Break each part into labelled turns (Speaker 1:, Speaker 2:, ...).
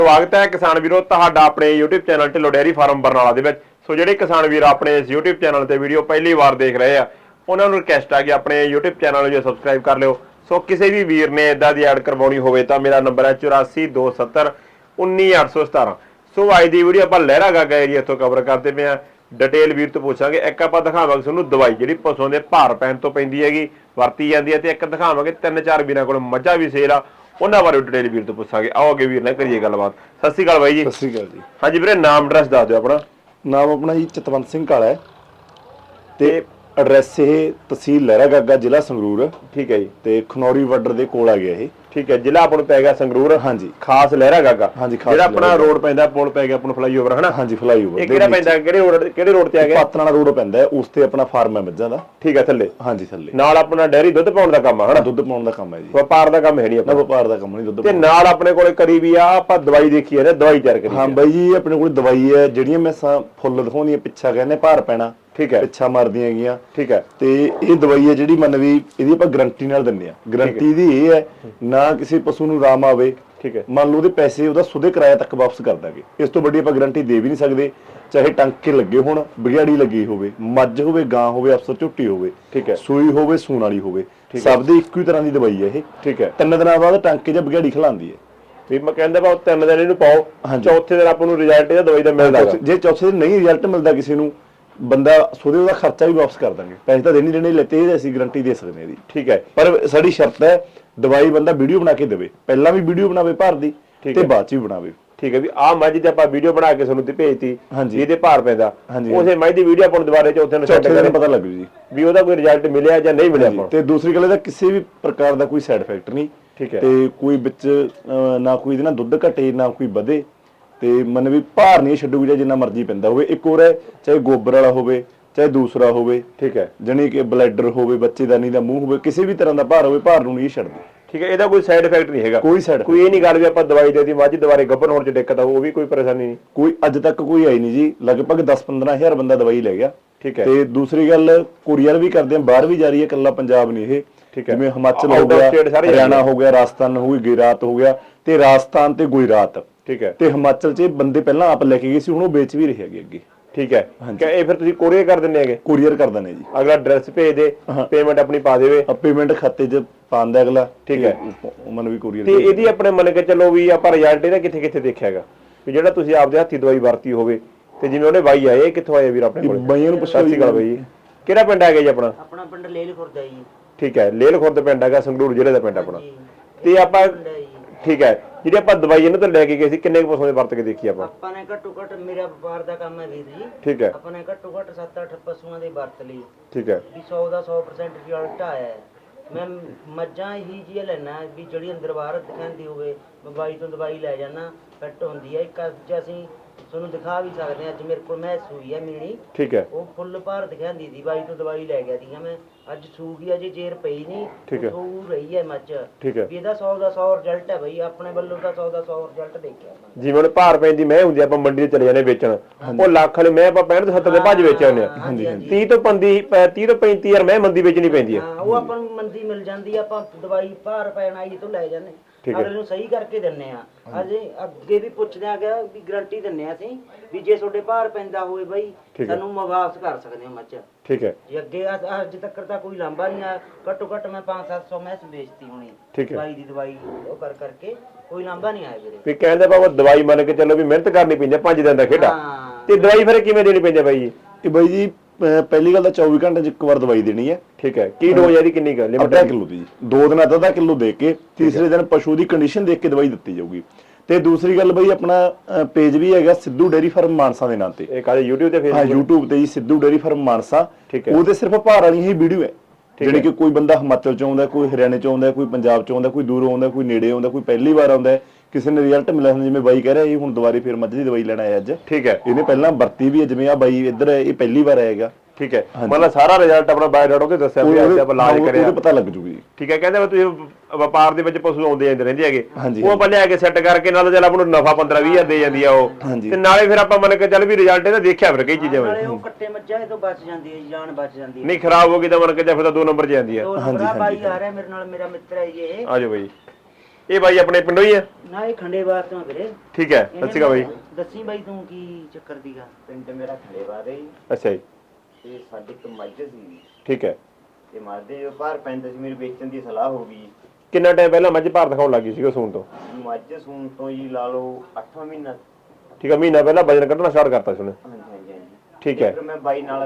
Speaker 1: स्वागत है किसान वीरो तुहाडा अपने YouTube channel Dhillon dairy farm Barnala दे विच। सो जिहड़े किसान वीर अपने इस YouTube चैनल ते वीडियो पहली बार देख रहे हैं उन्हां नूं रिक्वेस्ट है कि अपने YouTube चैनल नूं सबसक्राइब कर लिओ। सो किसी भी वीर ने इदां दी ऐड करवाउणी होवे तां मेरा नंबर है 8427198817। सो अज दी वीडियो आपां लहरा गागा एरिया इत्थों कवर करते पे डिटेल वीर तो पूछांगे। एक आपां दिखावांगे तुहानूं दवाई जिहड़ी पशुओं दे भार पैण तो पैंदी हैगी वरती जांदी है ते एक दिखावांगे 3-4 वीरां कोल मੱਝਾਂ भी सेल आ उन्हां बारे डिटेल वीर तो पूछांगे। आओ अगे वीर नाल करिए गलबात। सत श्री अकाल बाई जी।
Speaker 2: सत श्री अकाल जी।
Speaker 1: हाँ जी वीरे नाम एड्रैस दस दिओ अपना।
Speaker 2: नाम अपना जी चतवंत सिंह काला है ते एड्रैस ये तहसील लहरा गागा जिला संगरूर।
Speaker 1: ठीक है जी।
Speaker 2: ते खनौरी बॉर्डर दे कोल आ गया ये।
Speaker 1: ठीक है जिला अपन पै गया संगरूर।
Speaker 2: हाँ जी
Speaker 1: खास लहरा गागा।
Speaker 2: हाँ जी
Speaker 1: जेड़ा अपना रोड पैंदा पुल पै गया अपन फ्लाईओवर है ना।
Speaker 2: हाँ जी फ्लाईओवर
Speaker 1: ये केड़ा पैंदा किहड़े रोड ते आ गया?
Speaker 2: पातनाला रोड पैंदा है उस ते अपना फार्म है मੱਝਾਂ दा।
Speaker 1: ठीक है थल्ले।
Speaker 2: हाँ जी थल्ले
Speaker 1: नाल अपना डेयरी दुੱਧ पाउण दा काम है ना।
Speaker 2: दुੱਧ पाउण दा काम है जी।
Speaker 1: व्यापार दा काम है नहीं अपना।
Speaker 2: व्यापार दा काम नहीं दुੱਧ
Speaker 1: ते नाल अपने कोले करी भी आ ਆਪਾਂ दवाई देखी है ना दवाई तैयार करी।
Speaker 2: हाँ बाई जी अपने कोल दवाई है ਜਿਹੜੀਆਂ ਮੈਂ ਫੁੱਲ ਦਿਖਾਉਂਦੀਆਂ ਪਿੱਛਾ ਕਹਿੰਦੇ ਭਾਰ ਪੈਣਾ। ठीक है पिछा मारदियां हैगियां। ठीक है ते ये दवाई है ਜਿਹੜੀ मन भी ਇਹਦੀ ਆਪਾਂ ਗਾਰੰਟੀ ਨਾਲ ਦਿੰਨੇ ਆ। ਗਾਰੰਟੀ ਦੀ ਇਹ ਹੈ ਨਾ ਕਿਸੇ ਪਸ਼ੂ ਨੂੰ ਰਾਮ ਆਵੇ। ठीक है मान लो ਉਹਦੇ ਪੈਸੇ ਉਹਦਾ ਸੁਦੇ ਕਿਰਾਇਆ ਤੱਕ ਵਾਪਸ ਕਰ ਦਾਂਗੇ। ਇਸ ਤੋਂ ਵੱਡੀ ਆਪਾਂ ਗਾਰੰਟੀ ਦੇ ਵੀ ਨਹੀਂ ਸਕਦੇ। ਚਾਹੇ ਟਾਂਕੇ ਲੱਗੇ ਹੋਣ ਬਿਗਿਆੜੀ ਲੱਗੀ ਹੋਵੇ ਮੱਝ ਹੋਵੇ ਗਾਂ ਹੋਵੇ ਅਫਸਰ ਝੁੱਟੀ ਹੋਵੇ। ठीक है ਸੂਈ ਹੋਵੇ ਸੂਣ ਵਾਲੀ ਹੋਵੇ ਸਭ ਦੇ ਇੱਕੋ ਹੀ ਤਰ੍ਹਾਂ ਦੀ ਦਵਾਈ ਹੈ ਇਹ। ठीक है 3 ਦਿਨਾਂ ਬਾਅਦ ਟਾਂਕੇ ਜਾਂ ਬਿਗਿਆੜੀ ਖਿਲਾਉਂਦੀ ਹੈ। ਵੀ ਮੈਂ ਕਹਿੰਦਾ ਬਾ 3 ਦਿਨ ਇਹਨੂੰ ਪਾਓ ਚੌਥੇ ਦਿਨ ਆਪਾਂ ਨੂੰ ਰਿਜ਼ਲਟ ਇਹਦਾ ਦਵਾਈ ਦਾ ਮਿਲਦਾ। ਜੇ ਚੌਥੇ ਦਿਨ ਨਹੀਂ ਰਿਜ਼ਲਟ ਮਿਲਦਾ ਕਿਸੇ ਨੂੰ ਬੰਦਾ ਸੋਦੇ ਉਹਦਾ ਖਰਚਾ ਵੀ ਵਾਪਸ ਕਰ ਦਾਂਗੇ। ਪੈਸੇ ਤਾਂ ਦੇਣੇ ਲੈਣੇ ਲੈਤੇ ਇਹ ਅਸੀਂ ਗਾਰੰਟੀ ਦੇ ਸਕਦੇ ਹਾਂ ਦੀ। ਠੀਕ ਹੈ ਪਰ ਸਾਡੀ ਸ਼ਰਤ ਹੈ ਦਵਾਈ ਬੰਦਾ ਵੀਡੀਓ ਬਣਾ ਕੇ ਦੇਵੇ। ਪਹਿਲਾਂ ਵੀ ਵੀਡੀਓ ਬਣਾਵੇ ਭਾਰ ਦੀ ਤੇ ਬਾਅਦ ਚ ਵੀ ਬਣਾਵੇ। ਠੀਕ ਹੈ ਵੀ ਆਹ ਮੱਝ ਤੇ ਆਪਾਂ ਵੀਡੀਓ ਬਣਾ ਕੇ ਤੁਹਾਨੂੰ ਤੇ ਭੇਜਤੀ ਇਹਦੇ ਭਾਰ ਪੈਂਦਾ ਉਸੇ ਮੱਝ ਦੀ ਵੀਡੀਓ ਆਪਾਂ ਨੂੰ ਦੁਬਾਰੇ ਚੌਥੇ ਨੂੰ ਸੈੱਟ ਕਰਕੇ ਪਤਾ ਲੱਗ ਜੂ ਜੀ ਵੀ ਉਹਦਾ ਕੋਈ ਰਿਜ਼ਲਟ ਮਿਲਿਆ ਜਾਂ ਨਹੀਂ ਮਿਲਿਆ ਆਪਾਂ। ਤੇ ਦੂਸਰੀ ਗੱਲ ਇਹਦਾ ਕਿਸੇ ਵੀ ਪ੍ਰਕਾਰ ਦਾ ਕੋਈ ਸਾਈਡ ਇਫੈਕਟ ਨਹੀਂ। ਠੀਕ ਹੈ ਤੇ ਕੋਈ ਵਿੱਚ ਨਾ ਕੋਈ ਇਹਦੇ ਨਾਲ ਦੁੱਧ ਘਟੇ ਨਾ ਕੋਈ ਵਧੇ ਤੇ ਮਨ ਵੀ ਭਾਰ ਨਹੀਂ ਛੱਡੂਗੀ ਜਾਂ ਜਿੰਨਾ ਮਰਜ਼ੀ ਪੈਂਦਾ ਹੋਵੇ। ਇੱਕ ਹੋਰ ਹੈ ਚਾਹੇ ਗੋਬਰ ਵਾਲਾ ਹੋਵੇ ਚਾਹੇ ਦੂਸਰਾ ਹੋਵੇ। ਠੀਕ ਹੈ ਜਾਨੀ ਕਿ ਬਲੈਡਰ ਹੋਵੇ ਬੱਚੇਦਾਨੀ ਦਾ ਮੂੰਹ ਹੋਵੇ ਕਿਸੇ ਵੀ ਤਰ੍ਹਾਂ ਦਾ ਭਾਰ ਹੋਵੇ ਭਾਰ ਨੂੰ ਨਹੀਂ ਛੱਡਦੀ। ਠੀਕ ਹੈ ਇਹਦਾ ਕੋਈ ਸਾਈਡ ਇਫੈਕਟ ਨਹੀਂ ਹੈਗਾ ਕੋਈ ਇਹ ਨਹੀਂ ਗੱਲ ਵੀ ਆਪਾਂ ਦਵਾਈ ਦੇਤੀ ਮੱਝ ਦੁਬਾਰੇ ਗੱਭਣ ਹੋਣ ਚ ਦਿੱਕਤ ਆ ਉਹ ਵੀ ਕੋਈ ਪਰੇਸ਼ਾਨੀ ਨਹੀਂ ਕੋਈ ਅੱਜ ਤੱਕ ਕੋਈ ਆਈ ਨਹੀਂ ਜੀ। ਲਗਭਗ 10-15 ਹਜ਼ਾਰ ਬੰਦਾ ਦਵਾਈ ਲੈ ਗਿਆ। ਠੀਕ ਹੈ ਤੇ ਦੂਸਰੀ ਗੱਲ ਕੁਰੀਅਰ ਵੀ ਕਰਦੇ ਆ ਬਾਹਰ ਵੀ ਜਾ ਰਹੀ ਹੈ ਇਕੱਲਾ ਪੰਜਾਬ ਨਹੀਂ ਇਹ। ਠੀਕ ਹੈ ਜਿਵੇਂ ਹਿਮਾਚਲ ਹੋ ਗਿਆ ਹਰਿਆਣਾ ਹੋ ਗਿਆ ਰਾਜਸਥਾਨ ਹੋ ਗਈ ਗੁਜਰਾਤ ਹੋ ਗਿਆ ਤੇ ਰਾਜਸਥਾਨ ਤੇ ਗੁਜਰਾਤ। ਠੀਕ ਹੈ ਤੇ ਹਿਮਾਚਲ ਚ ਬੰਦੇ ਪਹਿਲਾਂ ਆਪ ਲੈ ਕੇ ਗਏ ਸੀ ਹੁਣ ਉਹ ਵੇਚ ਵੀ ਰਹੇ ਹੈਗੇ ਅੱਗੇ। ਠੀਕ ਹੈ ਇਹ ਫਿਰ ਤੁਸੀਂ ਕੋਰੀਅਰ ਕਰ ਦਿੰਦੇ ਹੈਗੇ? ਕੋਰੀਅਰ ਕਰ ਦਿੰਦੇ ਜੀ। ਅਗਲਾ ਐਡਰੈਸ ਭੇਜ ਦੇ ਪੇਮੈਂਟ ਆਪਣੀ ਪਾ ਦੇਵੇ ਪੇਮੈਂਟ ਖਾਤੇ 'ਚ ਪਾਉਂਦਾ ਅਗਲਾ। ਠੀਕ ਹੈ ਮਨ ਵੀ ਕੋਰੀਅਰ ਤੇ ਇਹਦੀ ਆਪਣੇ ਮੰਨ ਕੇ ਚੱਲੋ ਵੀ ਆਪਾਂ ਰਿਜ਼ਲਟ ਇਹਦਾ ਕਿੱਥੇ ਕਿੱਥੇ ਦੇਖਿਆ ਹੈਗਾ ਵੀ ਜਿਹੜਾ ਤੁਸੀਂ ਆਪਦੇ ਹੱਥੀ ਦਵਾਈ ਵਰਤੀ ਹੋਵੇ ਤੇ ਜਿਵੇਂ ਉਹਨੇ ਬਾਈ ਆਏ ਇਹ ਕਿੱਥੋਂ ਆਏ ਵੀਰ ਆਪਣੇ ਕੋਲ? ਬਾਈਆਂ ਨੂੰ ਪੁੱਛੋ ਜੀ। ਗੱਲ ਬਾਈ ਕਿਹੜਾ ਪਿੰਡ ਹੈਗਾ ਜੀ ਆਪਣਾ?
Speaker 3: ਆਪਣਾ ਪਿੰਡ ਲੇਲ ਖੁਰਦ ਹੈ ਜੀ।
Speaker 1: ਠੀਕ ਹੈ ਲੇਲ ਖੁਰਦ ਪਿੰਡ ਹੈਗਾ ਸੰਗਰੂਰ ਜ਼ਿਲ੍ਹੇ ਦਾ ਪਿੰਡ ਆਪਣਾ। ਤੇ ਆਪਾਂ ਠੀਕ ਹੈ ਜਿਹੜੀ ਆਪਾਂ ਦਵਾਈ ਇਹਨਾਂ ਤੋਂ ਲੈ ਕੇ ਗਏ ਸੀ ਕਿੰਨੇ ਪਸ਼ੂਆਂ ਦੇ ਵਰਤ ਕੇ ਦੇਖੀ ਆਪਾਂ
Speaker 3: ਨੇ ਘੱਟੋ ਘੱਟ ਮੇਰਾ ਵਪਾਰ ਦਾ ਕੰਮ ਹੈ ਵੀਰ ਜੀ।
Speaker 1: ਠੀਕ ਹੈ
Speaker 3: ਆਪਾਂ ਨੇ ਘੱਟੋ ਘੱਟ 7-8 ਪਸ਼ੂਆਂ ਦੇ ਵਰਤ ਲਈ।
Speaker 1: ਠੀਕ ਹੈ ਵੀ
Speaker 3: 100 ਦਾ 100% ਰਿਜ਼ਲਟ ਆਇਆ ਹੈ। ਮੈਂ ਮੱਝਾਂ ਹੀ ਜੀ ਲੈਣਾ ਵੀ ਜਿਹੜੀ ਅੰਦਰ ਬਾਹਰ ਦਿਖਾਉਂਦੀ ਹੋਵੇ ਬਾਈ ਤੋਂ ਦਵਾਈ ਲੈ ਜਾਣਾ ਫਿੱਟ ਹੁੰਦੀ ਹੈ। ਇੱਕ ਅੱਜ ਅਸੀਂ ਤੁਹਾਨੂੰ ਦਿਖਾ ਵੀ ਸਕਦੇ ਹਾਂ ਅੱਜ ਮੇਰੇ ਕੋਲ ਮੈਂ ਸੂਈ ਹੈ ਮੀਣੀ। ਠੀਕ ਹੈ ਉਹ ਫੁੱਲ ਭਾਰ ਦਿਖਾਉਂਦੀ ਸੀ ਬਾਈ ਤੋਂ ਦਵਾਈ ਲੈ ਗਿਆ ਸੀਗਾ ਮੈਂ ਅੱਜ ਸੂ ਗਈ ਅਜੇ ਜੇਰ ਪਈ ਨਹੀਂ ਸੂ ਰਹੀ ਹੈ ਮੱਝ। ਠੀਕ ਹੈ ਵੀ ਇਹਦਾ 100 ਦਾ 100 ਰਿਜ਼ਲਟ ਹੈ ਬਈ ਆਪਣੇ ਵੱਲੋਂ ਤਾਂ 100 ਦਾ 100 ਰਿਜ਼ਲਟ ਦੇਖਿਆ। ਜਿਵੇਂ ਭਾਰ ਪੈਂਦੀ ਮੈਂ ਹੁੰਦੀ ਆਪਾਂ ਮੰਡੀ ਤੇ ਚਲੇ ਜਾਂਦੇ ਵੇਚਣ ਉਹ ਲੱਖ ਵਾਲੇ ਮੈਂ ਆਪਾਂ 65 ਤੋਂ 70 ਦੇ ਭੱਜ ਵੇਚ ਆਉਂਦੇ ਆ 30 ਤੋਂ 35 ਯਾਰ ਮੈਂ ਮੰਦੀ ਵੇਚਣੀ ਪੈਂਦੀ ਹੈ ਉਹ ਆਪਾਂ ਨੂੰ ਮੰਦੀ ਮਿਲ ਜਾਂਦੀ ਆ ਆਪਾਂ ਦਵਾਈ ਭਾਰ ਪੈਣ ਆਈ ਤੋਂ ਲੈ ਜਾਂਦੇ ਅਗਲੇ ਨੂੰ ਸਹੀ ਕਰਕੇ ਦਿੰਨੇ ਆ। ਅਜੇ ਅੱਗੇ ਵੀ ਪੁੱਛਦੇ ਆ ਗਿਆ ਵੀ ਗਾਰੰਟੀ ਦਿੰਨੇ ਆ ਅਸੀਂ ਵੀ ਜੇ ਤੁਹਾਡੇ ਭਾਰ ਪੈਂਦਾ ਹੋਵੇ ਬਈ ਸਾਨੂੰ ਵਾਪਸ ਕਰ ਸਕਦੇ ਹੋ ਮੱਝ। ਠੀਕ ਹੈ ਜੇ ਅੱਗੇ ਅੱਜ ਤੱਕ ਤਾਂ ਕੋਈ ਲਾਂਭਾ ਨਹੀਂ ਆ ਘੱਟੋ ਘੱਟ ਮੈਂ 500-700 ਮੈਸ ਵੇਚਤੀ ਹੋਣੀ ਦਵਾਈ ਦੀ ਦਵਾਈ ਉਹ ਕਰਕੇ ਕੋਈ ਲਾਂਭਾ ਨਹੀਂ ਆਇਆ ਵੀਰੇ। ਵੀ ਕਹਿੰਦੇ ਬਾਬਾ ਦਵਾਈ ਮੰਨ ਕੇ ਚੱਲੋ ਵੀ ਮਿਹਨਤ ਕਰਨੀ ਪੈਂਦੀ 5 ਦਿਨ ਦਾ ਖੇਡਾ ਤੇ ਦਵਾਈ ਫਿਰ ਕਿਵੇਂ ਦੇਣੀ ਪੈਂਦੀ ਬਾਈ ਜੀ? ਇਹ ਬਾਈ ਜੀ ਪਹਿਲੀ ਗੱਲ ਤਾਂ 24 ਘੰਟੇ 'ਚ ਇੱਕ ਵਾਰ ਦਵਾਈ ਦੇਣੀ ਹੈ। ਠੀਕ ਹੈ ਕੀ ਡੋਜ਼ ਇਹਦੀ ਕਿੰਨੀ ਕੁ ਲਿਮਿਟ? 1.5 ਕਿਲੋ ਦੀ ਜੀ। 2 ਦਿਨਾਂ ਦਾ 1.5 ਕਿਲੋ ਦੇ ਕੇ ਤੀਸਰੇ ਦਿਨ ਪਸ਼ੂ ਦੀ ਕੰਡੀਸ਼ਨ ਦੇਖ ਕੇ ਦਵਾਈ ਦਿੱਤੀ ਜਾਊਗੀ। ਤੇ ਦੂਸਰੀ ਗੱਲ ਬਈ ਆਪਣਾ ਪੇਜ ਵੀ ਹੈਗਾ ਸਿੱਧੂ ਡੇਅਰੀ ਫਾਰਮ ਮਾਨਸਾ ਦੇ ਨਾਂ ਤੇ। ਇਹ ਕਾਲੇ YouTube ਤੇ ਫੇਸਬੁੱਕ? ਹਾਂ YouTube ਤੇ ਜੀ ਸਿੱਧੂ ਡੇਅਰੀ ਫਾਰਮ ਮਾਨਸਾ। ਠੀਕ ਹੈ ਉਹਦੇ ਸਿਰਫ ਭਾਰ ਵਾਲੀ ਹੀ ਵੀਡੀਓ ਹੈ ਜਿਹੜੀ ਕਿ ਕੋਈ ਬੰਦਾ ਹਿਮਾਚਲ ਚ ਆਉਂਦਾ ਕੋਈ ਹਰਿਆਣੇ ਚ ਆਉਂਦਾ ਕੋਈ ਪੰਜਾਬ ਚ ਆਉਂਦਾ ਕੋਈ ਦੂਰੋਂ ਆਉਂਦਾ ਕੋਈ ਨੇੜੇ ਆਉਂਦਾ ਕੋਈ ਪਹਿਲੀ ਵਾਰ ਆਉਂਦਾ ਕਿਸੇ ਨੇ ਰਿਜ਼ਲਟ ਮਿਲਿਆ ਹੁੰਦਾ ਜਿਵੇਂ ਬਾਈ ਕਹਿ ਰਿਹਾ ਇਹ ਹੁਣ ਦੁਬਾਰੇ ਫਿਰ ਮੱਝ ਦੀ ਦਵਾਈ ਲੈਣ ਆਇਆ ਅੱਜ। ਠੀਕ ਹੈ ਇਹਨੇ ਪਹਿਲਾਂ ਵਰਤੀ ਵੀ ਜਿਵੇਂ ਆ ਬਾਈ ਇੱਧਰ ਇਹ ਪਹਿਲੀ ਵਾਰ ਆਏਗਾ। ਠੀਕ ਹੈ ਮਤਲਬ ਸਾਰਾ ਰਿਜ਼ਲਟ ਆਪਣਾ ਬਾਇਓਡਾਟਾ ਤੇ ਦੱਸਿਆ ਵੀ ਅੱਜ ਆਪਾਂ ਇਲਾਜ ਕਰਿਆ ਉਹਨੂੰ ਪਤਾ ਲੱਗ ਜੂਗੀ। ਠੀਕ ਹੈ ਕਹਿੰਦੇ ਤੁਸੀਂ ਵਪਾਰ ਦੇ ਵਿੱਚ ਪਸ਼ੂ ਆਉਂਦੇ ਜਾਂਦੇ ਰਹਿੰਦੇ ਹੈਗੇ ਉਹ ਆਪਾਂ ਲਿਆ ਕੇ ਸੈੱਟ ਕਰਕੇ ਨਾਲ ਚੱਲ ਆਪਾਂ ਨੂੰ ਨਫਾ 15-20 ਦੇ ਜਾਂਦੀ ਆ ਉਹ ਤੇ ਨਾਲੇ ਫਿਰ ਆਪਾਂ ਮੰਨ ਕੇ ਚੱਲ ਵੀ ਰਿਜ਼ਲਟ ਇਹਦਾ ਦੇਖਿਆ ਫਿਰ ਕਈ ਚੀਜ਼ਾਂ ਵਿੱਚ ਉਹ ਕੱਟੇ ਮੱਝਾਂ ਇਹ ਤੋਂ ਬਚ ਜਾਂਦੀ ਹੈ ਜਾਨ ਬਚ ਜਾਂਦੀ ਹੈ ਨਹੀਂ ਖਰਾਬ ਹੋ ਗਈ ਤਾਂ ਮੰਨ ਕੇ ਚੱਲ ਫਿਰ ਤਾਂ 2 ਨੰਬਰ 'ਚ ਜਾਂਦੀ ਹੈ। ਹਾਂਜੀ ਬਾਈ ਆ ਰਿਹਾ ਮੇਰੇ ਨਾਲ ਮੇਰਾ ਮਿੱਤਰ ਹੈ ਜੀ ਇਹ। ਆਜੋ ਬਾਈ ਇਹ ਬਾਈ ਆਪਣੇ ਪਿੰਡੋਂ ਹੀ ਆ ਨਾ ਇਹ ਖੰਡੇਵਾਰ ਤੋਂ ਆ ਵੀਰੇ।
Speaker 1: ਠੀਕ ਹੈ, ਸਤਿ ਸ਼੍ਰੀ ਅਕਾਲ ਬਾਈ।
Speaker 3: ਦੱਸੀ ਬਾਈ ਤੂੰ ਕੀ ਚੱਕਰ ਦੀਗਾ।
Speaker 4: ਪਿੰਡ ਮੇਰਾ ਖੰਡੇਵਾਰ ਹੈ ਜੀ,
Speaker 1: ਅੱਛਾ ਜੀ,
Speaker 4: ਤੇ ਸਾਡੇ ਇੱਕ ਮੱਝ ਸੀ
Speaker 1: ਠੀਕ ਹੈ।
Speaker 4: ਤੇ ਮੱਝ ਦੇ ਜੋ ਭਾਰ ਪੈਂਦਾ ਸੀ ਮੇਰੀ ਵੇਚਣ ਦੀ ਸਲਾਹ ਹੋ ਗਈ।
Speaker 1: ਕਿੰਨਾ ਟਾਈਮ ਪਹਿਲਾਂ ਮੱਝ ਭਾਰ ਦਿਖਾਉਣ ਲੱਗੀ ਸੀ ਉਹ ਸੂਣ ਤੋਂ?
Speaker 4: ਮੱਝ ਸੂਣ ਤੋਂ ਜੀ ਲਾ ਲਓ 8ਵਾਂ ਮਹੀਨਾ।
Speaker 1: ਠੀਕ ਹੈ, ਮਹੀਨਾ ਪਹਿਲਾਂ ਵਜਨ ਕੱਢਣਾ ਸਟਾਰਟ ਕਰਤਾ ਸੀ ਉਹਨੇ।
Speaker 4: ਹਾਂਜੀ ਹਾਂਜੀ ਹਾਂਜੀ।
Speaker 1: ਠੀਕ ਹੈ,
Speaker 4: ਫਿਰ ਮੈਂ ਬਾਈ ਨਾਲ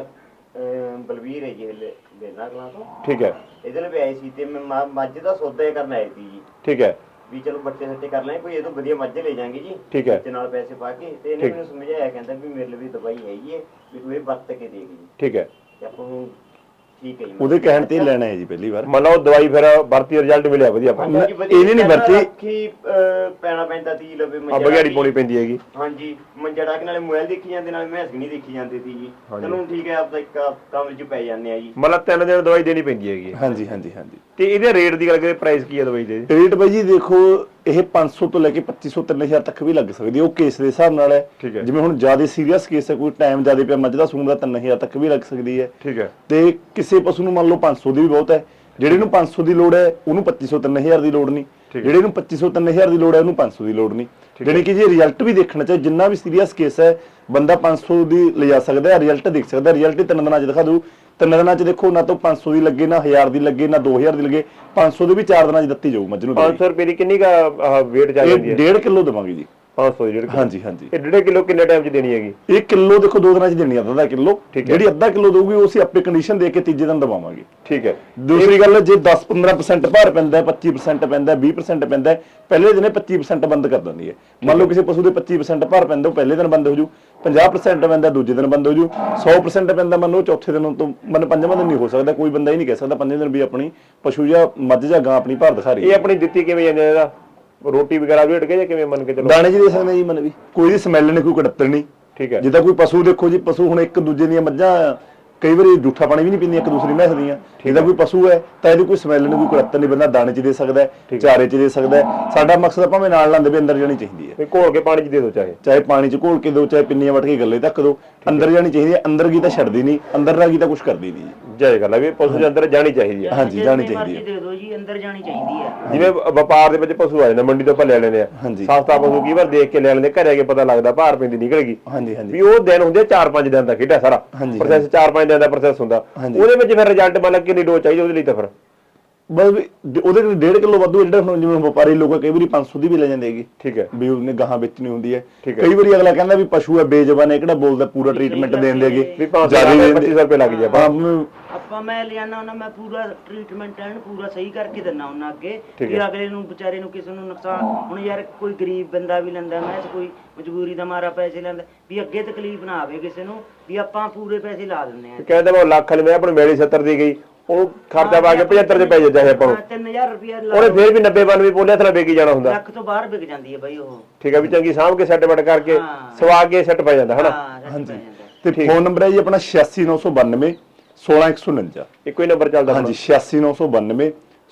Speaker 4: ਬਲਵੀਰ ਹੈ ਜੀ ਬੇਲਾ ਕਲਾਂ ਤੋਂ,
Speaker 1: ਠੀਕ ਹੈ,
Speaker 4: ਇਹਦੇ ਲਈ ਆਏ ਸੀ ਤੇ ਮੈਂ ਮੱਝ ਦਾ ਸੌਦਾ ਹੀ ਕਰਨ ਆਈ ਸੀ ਜੀ।
Speaker 1: ਠੀਕ ਹੈ,
Speaker 4: ਵੀ ਚਲੋ ਬੱਚੇ ਸੱਟੇ ਕਰ ਲੈ, ਕੋਈ ਇਹ ਤੋਂ ਵਧੀਆ ਮੱਝ ਲੈ ਜਾਾਂਗੇ ਜੀ,
Speaker 1: ਠੀਕ ਹੈ,
Speaker 4: ਬੱਚੇ ਨਾਲ ਪੈਸੇ ਪਾ ਕੇ। ਤੇ ਇਹਨੇ ਮੈਨੂੰ ਸਮਝਾਇਆ, ਕਹਿੰਦਾ ਵੀ ਮੇਰੇ ਲਈ ਵੀ ਦਵਾਈ ਹੈਗੀ ਹੈ, ਵੀ ਤੂੰ ਇਹ ਵਰਤ ਕੇ ਦੇਖ ਜੀ।
Speaker 1: ਠੀਕ ਹੈ।
Speaker 4: ਤੇ ਆਪਾਂ ਨੂੰ ਠੀਕ ਹੈ ਜੀ।
Speaker 2: ਉਹਦੇ ਕਹਿਣ ਤੇ ਲੈਣਾ ਹੈ ਜੀ ਪਹਿਲੀ ਵਾਰ।
Speaker 1: ਮੰਨ ਲਓ ਦਵਾਈ ਫਿਰ ਵਰਤੀ ਰਿਜ਼ਲਟ ਮਿਲਿਆ ਵਧੀਆ ਆਪਾਂ ਨੂੰ।
Speaker 2: ਇਹਨੇ ਨਹੀਂ ਵਰਤੀ।
Speaker 4: ਅੱਖੀ ਪੈਣਾ ਪੈਂਦਾ ਤੀ ਲਵੇ
Speaker 1: ਆ ਬਗਿਆੜੀ ਪਾਉਣੀ ਪੈਂਦੀ ਹੈਗੀ।
Speaker 4: ਹਾਂਜੀ, ਮੰਜੜਾ ਕੇ ਨਾਲੇ ਮੋਬਾਈਲ ਦੇਖੀ ਜਾਂਦੇ, ਨਾਲੇ ਮੈਸ ਨਹੀਂ ਦੇਖੀ ਜਾਂਦੀ ਸੀ ਜੀ। ਚਲੋ ਠੀਕ ਹੈ, ਆਪਦਾ ਇੱਕ ਕੰਮ 'ਚ ਪੈ ਜਾਂਦੇ ਆ ਜੀ।
Speaker 1: ਮਤਲਬ 3 ਦਿਨ ਦਵਾਈ ਦੇਣੀ ਪੈਂਦੀ ਹੈਗੀ।
Speaker 2: ਹਾਂਜੀ ਹਾਂਜੀ ਹਾਂਜੀ।
Speaker 1: ਤੇ ਇਹਦੇ ਰੇਟ ਦੀ ਗੱਲ ਕਰੀਏ, ਪ੍ਰਾਈਸ ਕੀ ਹੈ ਦਵਾਈ ਦੇ?
Speaker 2: ਰੇਟ ਬਾਈ ਜੀ ਦੇਖੋ, ਇਹ 500 ਤੋਂ ਲੈ ਕੇ 2500 3000 ਤੱਕ ਵੀ ਲੱਗ ਸਕਦੀ ਹੈ, ਉਹ ਕੇਸ ਦੇ ਹਿਸਾਬ ਨਾਲ ਹੈ।
Speaker 1: ਠੀਕ ਹੈ।
Speaker 2: ਜਿਵੇਂ ਹੁਣ ਜ਼ਿਆਦਾ ਸੀਰੀਅਸ ਕੇਸ ਹੈ, ਕੋਈ ਟਾਈਮ ਜ਼ਿਆਦਾ ਪਿਆ ਮੱਝ ਦਾ ਸੂਣ ਦਾ 3000 ਤੱਕ ਵੀ ਲੱਗ ਸਕਦੀ ਹੈ।
Speaker 1: ਠੀਕ ਹੈ।
Speaker 2: ਤੇ ਕਿਸੇ ਪਸ਼ੂ ਨੂੰ ਮੰਨ ਲਓ 500 ਦੀ ਵੀ ਬਹੁਤ ਹੈ, ਜਿਹੜੇ ਨੂੰ 500 ਦੀ ਲੋੜ ਹੈ ਉਹਨੂੰ 2500 3000 ਦੀ ਲੋੜ ਨਹੀਂ, ਜਿਹੜੇ ਨੂੰ 2500 3000 ਦੀ ਲੋੜ ਹੈ ਉਹਨੂੰ 500 ਦੀ ਲੋੜ ਨਹੀਂ। ਜਾਣੀ ਕਿ ਜੇ ਰਿਜ਼ਲਟ ਵੀ ਦੇਖਣਾ ਚਾਹੇ, ਜਿੰਨਾ ਵੀ ਸੀਰੀਅਸ ਕੇਸ ਹੈ ਬੰਦਾ 500 ਦੀ ਲਿਜਾ ਸਕਦਾ ਹੈ, ਰਿਜ਼ਲਟ ਦੇਖ ਸਕਦਾ। ਰਿਜ਼ਲਟ 3 ਦਿਨਾਂ 'ਚ ਦਿਖਾ ਦੂ। 3 ਦਿਨਾਂ 'ਚ ਦੇਖੋ, ਨਾ ਤਾਂ 500 ਦੀ ਲੱਗੇ, ਨਾ 1000 ਦੀ ਲੱਗੇ, ਨਾ 2000 ਦੀ ਲੱਗੇ, 500 ਦੀ ਵੀ 4 ਦਿਨਾਂ 'ਚ ਦਿੱਤੀ ਜਾਊ ਮੱਝ ਨੂੰ।
Speaker 1: 500 ਰੁਪਏ ਦੀ ਕਿੰਨੀ ਕਾ ਵੇਟ ਜਾ ਜਾਂਦੀ ਹੈ?
Speaker 2: 1.5 ਕਿਲੋ ਦੇਵਾਂਗੇ ਜੀ।
Speaker 1: 500 ਦੀ 1.5 ਕਿਲੋ?
Speaker 2: ਹਾਂਜੀ ਹਾਂਜੀ।
Speaker 1: ਇਹ 1.5 ਕਿਲੋ ਕਿੰਨੇ ਟਾਈਮ 'ਚ ਦੇਣੀ ਹੈਗੀ?
Speaker 2: 1 ਕਿਲੋ ਦੇਖੋ 2 ਦਿਨਾਂ 'ਚ ਦੇਣੀ ਆ, ਅੱਧਾ ਕਿਲੋ। ਜਿਹੜੀ ਅੱਧਾ ਕਿਲੋ ਦਊਗੀ ਉਹ ਅਸੀਂ ਆਪੇ ਕੰਡੀਸ਼ਨ ਦੇ ਕੇ ਤੀਜੇ ਦਿਨ ਦਵਾਵਾਂਗੇ।
Speaker 1: ਠੀਕ ਹੈ।
Speaker 2: ਦੂਸਰੀ ਗੱਲ, ਜੇ 10-15% ਭਾਰ ਪੈਂਦਾ, 25% ਪੈਂਦਾ, 20% ਪੈਂਦਾ, ਪਹਿਲੇ ਦਿਨੇ 25% ਬੰਦ ਕਰ ਦਿੰਦੀ ਹੈ। ਮੰਨ ਲਓ ਕਿਸੇ ਪਸ਼ੂ ਦੇ 25% ਭਾਰ ਪੈਂਦਾ, ਉਹ ਪਹਿਲੇ ਦਿਨ ਬੰਦ ਹੋ ਜੂ। 50% ਪੈਂਦਾ, ਦੂਜੇ ਦਿਨ ਬੰਦ ਹੋ ਜੂ। 100% ਪੈਂਦਾ, ਮੰਨ ਲਓ ਚੌਥੇ ਦਿਨ ਤੋਂ, ਮੰਨ 5ਵਾਂ ਦਿਨ ਨਹੀਂ ਹੋ ਸਕਦਾ। ਕੋਈ ਬੰਦਾ ਹੀ ਨਹੀਂ ਕਹਿ ਸਕਦਾ 5ਵੇਂ ਦਿਨ ਵੀ ਆਪਣੀ ਪਸ਼ੂ ਜਾਂ ਮੱਝ ਜਾਂ ਗਾਂ ਆਪਣੀ ਭਾਰ ਦਿਖਾ ਰਹੀ ਹੈ।
Speaker 1: ਇਹ ਆਪਣੀ ਦਿੱਤੀ ਕਿਵੇਂ ਜਾਂਦੀ ਹੈ? ਇਹਦਾ ਰੋਟੀ ਵਗੈਰਾ ਵੀ ਹਟ ਕੇ ਜਾਂ ਕਿਵੇਂ ਮੰਨ ਕੇ ਚਲੋ?
Speaker 2: ਦਾਣੇ 'ਚ ਦੇ ਸਕਦੇ ਜੀ, ਮਨ ਵੀ ਕੋਈ ਦੀ ਸਮੈਲ ਨਹੀਂ, ਕੋਈ ਕੜੱਤਣ ਨਹੀਂ।
Speaker 1: ਠੀਕ ਹੈ।
Speaker 2: ਜਿੱਦਾਂ ਕੋਈ ਪਸ਼ੂ ਦੇਖੋ ਜੀ, ਪਸ਼ੂ ਹੁਣ ਇੱਕ ਦੂਜੇ ਦੀਆਂ ਮੱਝਾਂ ਕਈ ਵਾਰੀ ਜੂਠਾ ਪਾਣੀ ਵੀ ਨਹੀਂ ਪੀਂਦੀਆਂ ਇੱਕ ਦੂਸਰੀ ਮੈਸ ਦੀਆਂ। ਜਿਹਦਾ ਕੋਈ ਪਸ਼ੂ ਹੈ ਤਾਂ ਇਹਦੀ ਕੋਈ ਸਮੈਲ ਨਹੀਂ, ਕੋਈ ਕੜੱਤਣ ਨਹੀਂ। ਬੰਦਾ ਦਾਣੇ 'ਚ ਦੇ ਸਕਦਾ ਹੈ, ਚਾਰੇ 'ਚ ਦੇ ਸਕਦਾ ਹੈ। ਸਾਡਾ ਮਕਸਦ ਭਾਵੇਂ ਨਾਲ ਲਾਂਦੇ ਵੀ ਅੰਦਰ ਜਾਣੀ ਚਾਹੀਦੀ ਹੈ।
Speaker 1: ਘੋਲ ਕੇ ਪਾਣੀ 'ਚ ਦੇ ਦਿਓ,
Speaker 2: ਚਾਹੇ ਪਾਣੀ 'ਚ ਘੋਲ ਕੇ ਦਿਓ, ਚਾਹੇ ਪਿੰਨੀਆਂ ਵੱਟ ਕੇ ਗੱਲੇ ਤੱਕ ਦਿਓ, ਅੰਦਰ ਜਾਣੀ ਚਾਹੀਦੀ ਹੈ। ਅੰਦਰ ਕੀ ਤਾਂ ਛੱਡਦੀ ਨਹੀਂ, ਅੰਦਰ ਨਾ ਕੀ ਤਾਂ ਕੁਝ ਕਰਦੀ ਨਹੀਂ।
Speaker 1: ਜਾਇ ਗੱਲ ਹੈ ਵੀ ਪਸ਼ੂ ਦੇ ਅੰਦਰ ਜਾਣੀ ਚਾਹੀਦੀ ਹੈ।
Speaker 2: ਹਾਂਜੀ, ਜਾਣੀ ਚਾਹੀਦੀ ਹੈ।
Speaker 3: ਦੇ ਦਿਓ ਜੀ, ਅੰਦਰ ਜਾਣੀ ਚਾਹੀਦੀ ਹੈ।
Speaker 1: ਜਿਵੇਂ ਵਪਾਰ ਦੇ ਵਿੱਚ ਪਸ਼ੂ ਆ ਜਾਂਦੇ, ਮੰਡੀ ਤੋਂ ਆਪਾਂ ਲੈ ਲੈਂਦੇ ਆ, ਸਸਤਾ ਪਸ਼ੂ ਕਈ ਵਾਰ ਦੇਖ ਕੇ ਲੈ ਲੈਂਦੇ, ਘਰੇ ਆ ਕੇ ਪਤਾ ਲੱਗਦਾ ਭਾਰ ਪੈਂਦੀ ਨਿਕਲ ਗਈ।
Speaker 2: ਹਾਂਜੀ ਹਾਂਜੀ।
Speaker 1: ਵੀ ਉਹ ਦਿਨ ਹੁੰਦੇ 4-5 ਦਿਨ ਦਾ ਖੇਡਾ ਸਾਰਾ ਪ੍ਰੋਸੈਸ, 4-5 ਦਿਨ ਦਾ ਪ੍ਰੋਸੈਸ ਹੁੰਦਾ। ਉਹਦੇ ਵਿੱਚ ਫਿਰ ਰਿਜ਼ਲਟ ਮੰਨ ਕਿੰਨੀ ਡੋਜ਼ ਚਾਹੀਦੀ ਉਹਦੇ ਲਈ? ਤਾਂ ਫਿਰ
Speaker 2: ਬਸ ਉਹਦੇ ਲਈ 1.5 ਕਿਲੋ ਵਾਧੂ। ਜਿਹੜਾ ਜਿਵੇਂ ਵਪਾਰੀ ਲੋਕ ਕਈ ਵਾਰੀ 500 ਦੀ ਵੀ ਲੈ ਜਾਂਦੇ ਹੈਗੇ।
Speaker 1: ਠੀਕ ਹੈ।
Speaker 2: ਵੀ ਉਹਨੇ ਗਾਹਾਂ ਵੇਚਣੀ ਹੁੰਦੀ ਹੈ। ਕਈ ਵਾਰੀ ਅਗਲਾ ਕਹਿੰਦਾ ਵੀ ਪਸ਼ੂ ਹੈ ਬੇਜ਼ਬਾਨ ਹੈ, ਕਿਹੜਾ ਬੋਲਦਾ, ਪੂਰਾ ਟ੍ਰੀਟਮੈਂਟ ਦੇਣ ਦੇਗੇ,
Speaker 1: ਵੀ 2500 ਰੁਪਏ ਲੱਗ ਜਾਏ
Speaker 3: ਆਪਾਂ। ਮੈਂ ਲਿਆਣਾ ਉਹਨਾਂ, ਮੈਂ ਪੂਰਾ ਟ੍ਰੀਟਮੈਂਟ ਐਨ ਪੂਰਾ ਸਹੀ ਕਰਕੇ ਦਿੰਨਾ ਉਹਨਾਂ ਅੱਗੇ, ਵੀ ਅਗਲੇ ਨੂੰ ਵਿਚਾਰੇ ਨੂੰ ਕਿਸੇ ਨੂੰ ਨੁਕਸਾਨ। ਹੁਣ ਯਾਰ ਕੋਈ ਗਰੀਬ ਬੰਦਾ ਵੀ ਲੈਂਦਾ, ਮੈਂ ਕੋਈ ਮਜਬੂਰੀ ਦਾ ਮਾਰਾ ਪੈਸੇ ਲੈਂਦਾ, ਵੀ ਅੱਗੇ ਤਕਲੀਫ ਨਾ ਆਵੇ ਕਿਸੇ ਨੂੰ, ਵੀ ਆਪਾਂ ਪੂਰੇ ਪੈਸੇ ਲਾ ਦਿੰਨੇ ਆ।
Speaker 1: ਕਹਿੰਦਾ ਮੈਂ ਲੱਖ ਵਾਲੀ ਮੈਂ ਆਪਣੀ ਮੇਰੀ 70 ਦੀ ਗਈ, ਉਹ ਖਰਚਾ ਪਾ ਕੇ 75 ਚ ਪੈ ਜਾਂਦਾ ਹੈ ਆਪਾਂ ਨੂੰ।
Speaker 3: 3000 ਰੁਪਇਆ
Speaker 1: ਉਹਨੇ ਫੇਰ ਵੀ 90-92 ਬੋਲਿਆ ਥਲਾ ਵੇਚੀ ਜਾਣਾ ਹੁੰਦਾ।
Speaker 3: ਲੱਖ ਤੋਂ ਬਾਹਰ ਵਿਕ ਜਾਂਦੀ ਹੈ ਬਾਈ ਉਹ।
Speaker 1: ਠੀਕ ਹੈ, ਵੀ ਚੰਗੀ ਸਾਂਭ ਕੇ ਸੈੱਟ ਬੈਟ ਕਰਕੇ ਸਵਾ ਕੇ ਸੈੱਟ ਪੈ ਜਾਂਦਾ ਹਨਾ।
Speaker 2: ਹਾਂਜੀ। ਤੇ ਫੋਨ ਨੰਬਰ ਹੈ ਜੀ ਆਪਣਾ 86992 16149।
Speaker 1: ਇੱਕੋ ਹੀ ਨੰਬਰ ਚੱਲਦਾ?
Speaker 2: ਹਾਂਜੀ, 86992